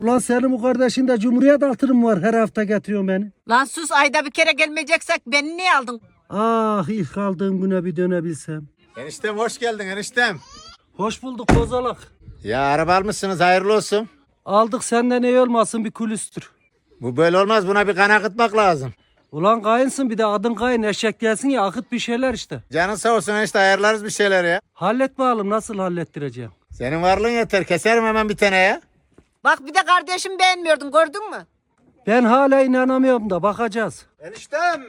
Ulan senin bu kardeşin de Cumhuriyet altınım var, her hafta getiriyorsun beni. Lan sus, ayda bir kere gelmeyeceksek beni niye aldın? Ah, ilk aldığım güne bir dönebilsem. Eniştem hoş geldin eniştem. Hoş bulduk kozalak. Ya araba almışsınız hayırlı olsun. Aldık, senden iyi olmasın, bir külüstür. Bu böyle olmaz, buna bir kan akıtmak lazım. Ulan kayınsın, bir de adın kayın, eşek gelsin ya, akıt bir şeyler işte. Canın sağ olsun enişte, ayarlarız bir şeyler ya. Hallet bakalım, nasıl hallettireceğim? Senin varlığın yeter, keserim hemen bir tane ya. Bak bir de kardeşim beğenmiyordun, gördün mü? Ben hala inanamıyorum da, bakacağız. Eniştem.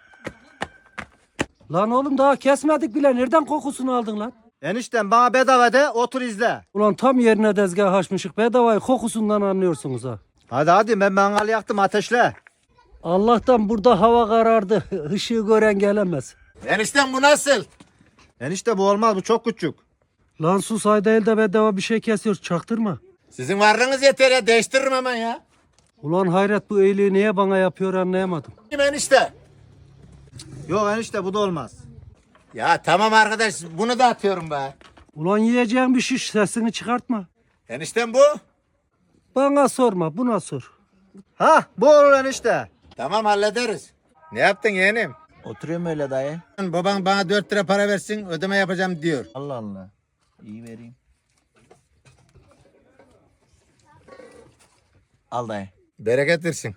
Lan oğlum daha kesmedik bile, nereden kokusunu aldın lan? Eniştem bana bedava de, otur izle. Ulan tam yerine tezgah açmışık, bedavayı kokusundan anlıyorsunuz ha. Hadi ben mangal yaktım, ateşle. Allah'tan burada hava karardı, ışığı gören gelemez. Eniştem bu nasıl? Enişte bu olmaz, bu çok küçük. Lan sus, ayda elde bedava bir şey kesiyor, çaktırma. Sizin varlığınız yeter ya, değiştiririm hemen ya. Ulan hayret, bu iyiliği niye bana yapıyor anlayamadım. Kim enişte? Yok enişte bu da olmaz. Ya tamam arkadaş, bunu da atıyorum be. Ulan yiyeceğin bir şiş, sesini çıkartma. Eniştem bu. Bana sorma, buna sor. Ha bu olur enişte. Tamam hallederiz. Ne yaptın yeğenim? Oturuyorum öyle dayı. Baban bana 4 lira para versin, ödeme yapacağım diyor. Allah Allah. İyi vereyim. Al dayı. Bereket versin.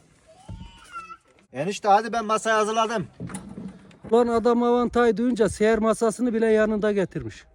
Enişte hadi ben masayı hazırladım. Ulan adam avantayı duyunca seher masasını bile yanında getirmiş.